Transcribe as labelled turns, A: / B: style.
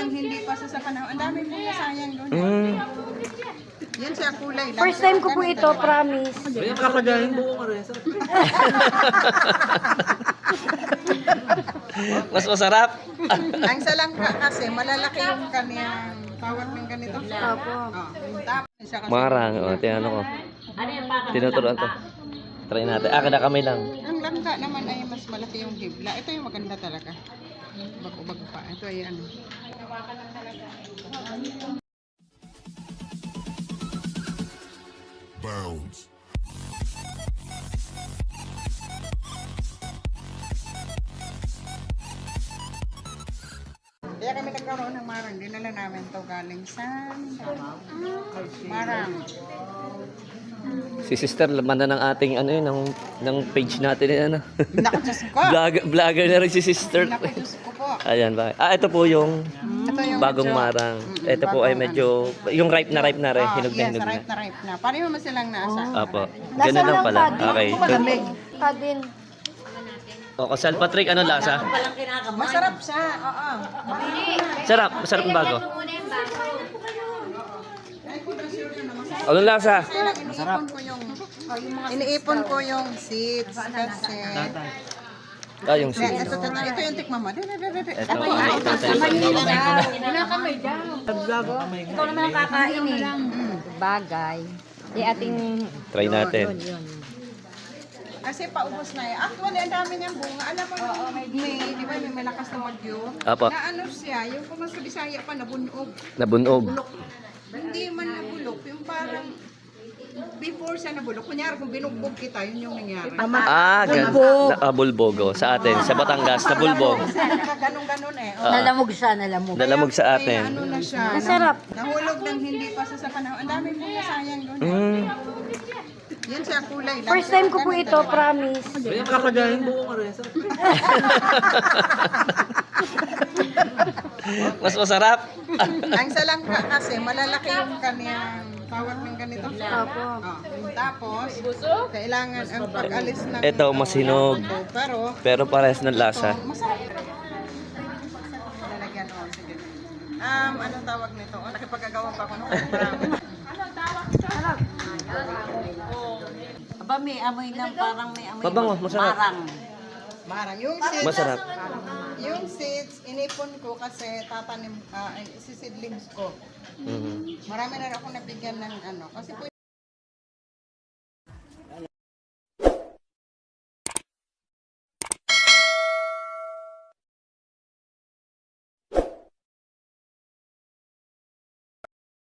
A: ng hindi pa sa panahon. Ang dami po sayang doon. Yan siya kulay.
B: First time ko po ito, promise.
C: Kaya kakagaling buong ares.
D: Mas masarap.
A: Ang salangka kasi malalaki yung kanyang tawag ng ganito.
B: Opo.
A: Yung tapos siya kasi.
D: Marang. O, tinano ko. Tinuturuan to. Try natin. Kada kamay lang.
A: Ang langka naman ay mas malaki yung hibla. Ito yung maganda talaga. Bago-bago pa. Ito ay ano.
E: Bounds.
A: Kaya kami nagkaroon ng marang. Dinala namin to galing sa marang.
D: Si sister, laman na ng ating ano yun, ng page natin yun, ano.
A: Naku, Diyos ko.
D: Vlogger na rin si sister.
A: Naku, Diyos ko po.
D: Ayan ba? Ito po yung
A: Ito yung
D: bagong
A: medyo-
D: marang. Ito po ay medyo, yung ripe na rin, hinog na
A: yes,
D: hinog na.
A: ripe na ripe na. Pareho mo silang nasa.
D: Apo. Ganun lang pala. Okay.
B: Kadin.
D: O, Sal Patrick, ano lasa?
A: Masarap siya. Oo.
D: Sarap. Masarap yung bago. Anong lasa?
A: Masarap. Iniipon ko yung seeds kasi.
D: Yung seeds.
A: Ito yung tikma mo.
D: Ito.
B: Ikaw naman ang kakain eh. Bagay. Di ating...
D: Try natin.
A: Kasi paubos na eh. Actually, ang dami niyang bunga. Alam mo, di ba may malakas na magyo?
D: Apo.
A: Na ano siya, yung kung mas Bisaya pa, nabunog.
D: Nabunog.
A: Hindi man nabulok. Yung parang before siya nabulok. Kunyari, kung binugbog kita, yun yung nangyari.
D: Bulbogo. Sa atin. Sa Batangas. Nabulbog.
A: Ganun-ganun eh. Oh.
B: Nalamog siya, nalamog.
D: Nalamog sa
A: Kaya
D: atin.
A: ano na siya.
B: Masarap.
A: Nahulog ng hindi pa sa panahon. Ang dami po sayang doon. Yan siya kulay.
B: First time ko po ito, promise.
C: Kaya kakagaling buong ares.
D: Mas masarap.
A: Ang salangka kasi malalaki yung kanyang tawag ng ganito.
B: Opo.
A: Yung tapos, kailangan ang pag-alis ng...
D: Ito, mas hinog. Pero parehas ng lasa.
A: Masarap. Lalagyan, sige. Anong tawag nito? Nakipagagawa pa ako nung anong tawag ito?
F: Aba, may amoy lang, parang may amoy.
D: Mabango, masarap.
A: Marang. Yung seeds,
D: Masarap.
A: yung seeds, inipon ko kasi tatanim, isisidlings ko. Marami na ako nabigyan ng ano. Kasi po